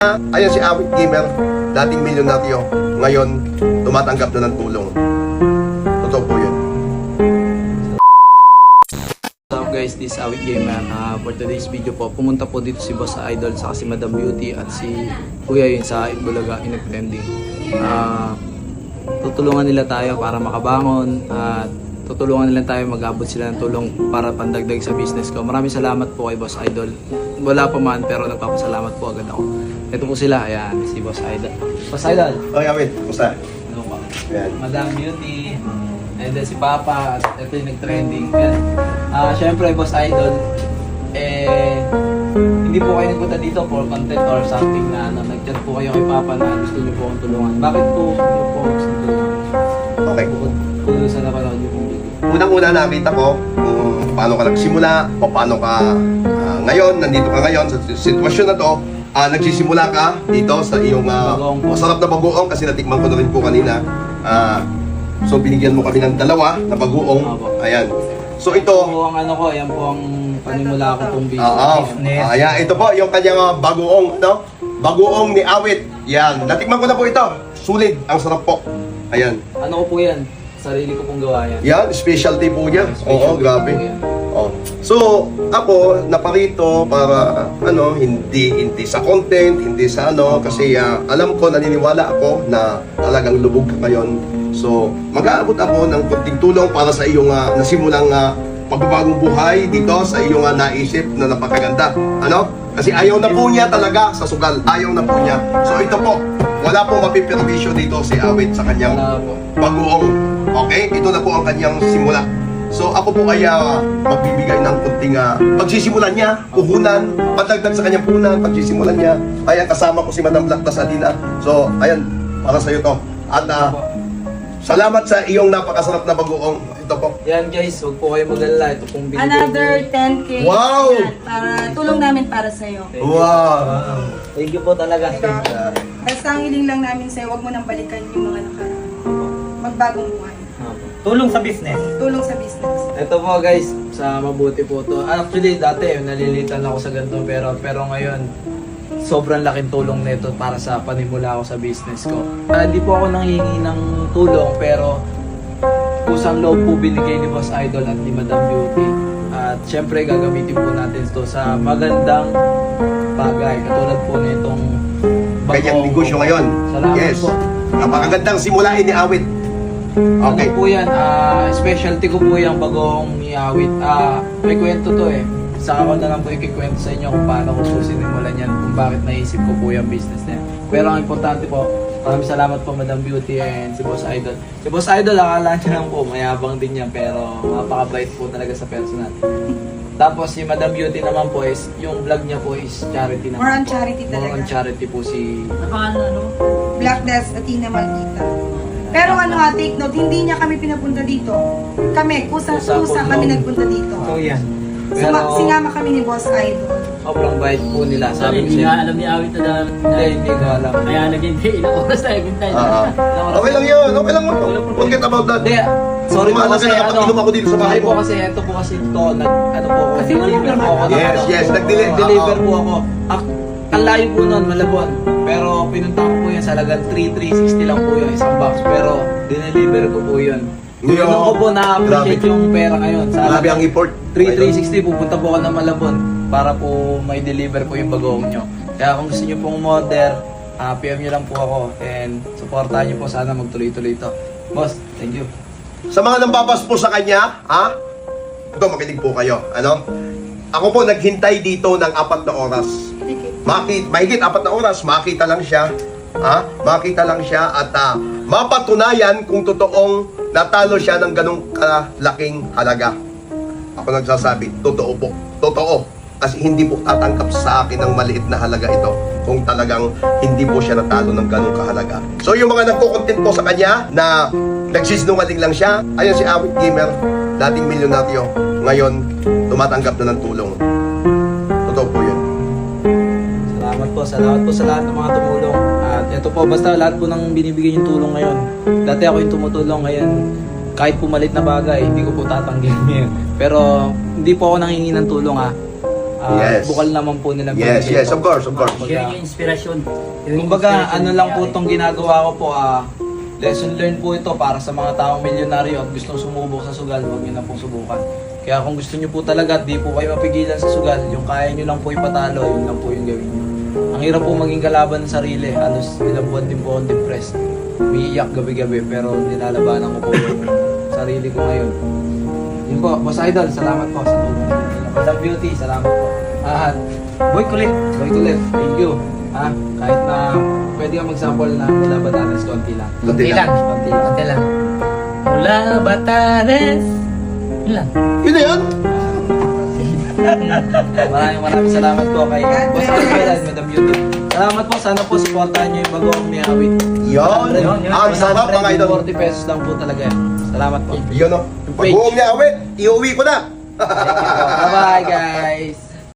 Ayan si Awit Gamer, dating milyonaryo, ngayon tumatanggap na ng tulong. Totoo po yun. What's up guys, this is Awit Gamer. For today's video po, pumunta po dito si Boss Idol sa si Madam Beauty at si Kuya yun sa Itbulaga Inag-Trending. Tutulungan nila tayo para makabangon at tutulungan nila tayo mag-abot sila ng tulong para pandagdag sa business ko. Maraming salamat po kay Boss Idol. Wala pa man pero nagpapasalamat po agad ako. Ito po sila, ayan, si Boss Idol. Boss Idol! Okay, Awit, kumusta? Ano po? Ayan. Madam Beauty, and then si Papa, at ito yung nag-trending. Siyempre, Boss Idol, hindi po kayo nagpunta dito for content or something na nag-chat po kayo kay Papa na gusto niyo po akong tulungan. Bakit po niyo po gusto tulungan? Okay. Kung sa napanood niyo po video. Unang-una nakita ko kung paano ka nagsimula o paano ka ngayon, nandito ka ngayon sa sitwasyon na to. Nagsisimula ka dito sa iyong masarap na bagoong kasi natikman ko na rin po kanina. So binigyan mo kami ng dalawa na bagoong. Ayan. So ito po ang ano ko, ayan po ang panimula ko pong business. Ayan, ito po yung kanyang bagoong, no? Bagoong ni Awit. Yan, natikman ko na po ito. Sulit, ang sarap po. Ayan. Ano ko po yan? Sarili ko pong gawa yan. Yan, specialty po niya. Oo, grabe. Oh. So, ako naparito para hindi sa content, hindi sa kasi alam ko, naniniwala ako na talagang lubog ka ngayon. So, mag-aabot ako ng konting tulong para sa iyong nasimulang pagbabagong buhay dito sa iyong naisip na napakaganda. Kasi ayaw na po niya talaga sa sugal. Ayaw na po niya. So, ito po. Wala po mapiperwisyo dito si Awit sa kanyang bagoong. Okay? Ito na po ang kanyang simula. So ako po ay magbibigay ng kunting pagsisimulan niya, puhunan, padagdag sa kanyang puhunan, pagsisimulan niya. Ayan, kasama ko si Madam Black Tasadina. So, ayan, para sa iyo to. At salamat sa iyong napakasarap na bagoong. Ito po. Yan guys, huwag po kayo mag-alala. Ito pong binigay Another 10K. Wow! Yan, para tulong namin para sa'yo. Wow! Thank you po talaga. Basta ang hiling lang namin sa'yo, huwag mo nang balikan yung mga nakaraan. Magbagong buhay. Tulong sa business. Tulong sa business. Ito po guys, sa mabuti po to. Actually dati nalilitan ako sa ganito pero ngayon sobrang laking tulong nito para sa panimula ko sa business ko. Hindi po ako nanghihingi ng tulong pero kusang loob po binigay ni Boss Idol at ni Madam Beauty. At syempre gagamitin po natin ito sa magandang bagay katulad po nitong Kanyang negosyo ngayon. Salamat Yes. po. Napakagandang simulain ni Awit. Okay. Ano po yan, specialty ko po yung bagong Awit. May kwento to Saka ko na lang po ikikwento sa inyo kung paano ko po sinimulan yan, kung bakit naisip ko po yung business na yan. Pero ang importante po, maraming salamat po Madam Beauty and si Boss Idol. Si Boss Idol, akala niya lang po, mayabang din yan, pero napakabait po talaga sa personal. Tapos si Madam Beauty naman po is, yung vlog niya po is charity naman. More on charity More talaga. on charity po si... Black Death, Athena Maldita. Pero take note, hindi niya kami pinapunta dito. Kami, kusa kami nagpunta dito. So yan. Singama kami ni Boss Idol. Sobrang bait po nila. Sabi ko Hindi siya, nga alam ni Awit na hindi ko alam. kaya naghintay, ilang oras tayo naghintay. Okay lang yun. Okay lang mo. Forget about that. Hindi, sorry po Mahalaga kasi na nakapag-inom ako dito sa bahay sorry po mo. kasi ito po kasi ito, ano po ako, Kasi deliver po ako. Yes, Nag-deliver po ako. Ang layo po nun, Malabon. Pero pinunta ko po yan sa lagang 3,360 lang po yung isang box. Pero dineliver ko po yun. Yo, Yun ko po na-appreciate grabe. yung pera ngayon. Sa Grabe ang effort. 3,360 pupunta po ako ng Malabon para po may deliver po yung bagoong nyo. Kaya kung gusto nyo pong order, PM nyo lang po ako and supportahan nyo po, sana magtuloy-tuloy ito. Boss, thank you. Sa mga nambabas po sa kanya, ito, makinig po kayo. Ako po naghintay dito ng 4 na oras. Mahigit 4 na oras, makita lang siya. Makita lang siya at mapatunayan kung totoong natalo siya ng ganong kalaking halaga. Ako nagsasabi, totoo po. Totoo. Kasi hindi po tatanggap sa akin ng maliit na halaga ito kung talagang hindi po siya natalo ng ganong kahalaga. So yung mga nagko-content po sa kanya na nagsisinungaling lang siya, ayan si Awit Gamer, dating milyonaryo, ngayon tumatanggap na ng tulong. Totoo po yun. Salamat po sa lahat ng mga tumulong. At ito po, basta lahat po ng binibigay yung tulong ngayon. Dati ako yung tumutulong, ngayon kahit pumalit na bagay, hindi ko po tatanggihan ngayon. Pero hindi po ako nanghingi ng tulong Yes. Bukal naman po nila. Yes, binigay yes, po. of course, of course. Sharing yung inspirasyon. Kumbaga, ano lang po itong ginagawa ko po, lesson learned po ito para sa mga taong milyonaryo at gustong sumubok sa sugal, huwag nyo na pong subukan. Kaya kung gusto nyo po talaga at di po kayo mapigilan sa sugal, yung kaya nyo lang po ipatalo, yun lang po yung gawin nyo. Ang hirap po maging kalaban ng sarili, halos ilang buwan din po akong depressed. Umiiyak gabi-gabi pero nilalabanan ko po yung sarili ko ngayon. Yun po, Boss Idol, salamat po sa tulong. Madam Beauty, salamat po. At Boy Kulit, thank you. Kahit na pwede ka mag-sample na mula Batanes, konti lang. Konti lang. Konti lang. Konti lang. Mula Batanes. Yun lang. Yun na yun. Maraming salamat po kay God Boss bless. Idol at Madam Beauty. Salamat po, sana po supportahan nyo yung bagong Miawit. Yun. Ang sarap mga idol. 40 pesos lang po talaga yan. Salamat po. Yun o. Pag-uong niya awit, iuwi ko na. Bye-bye guys!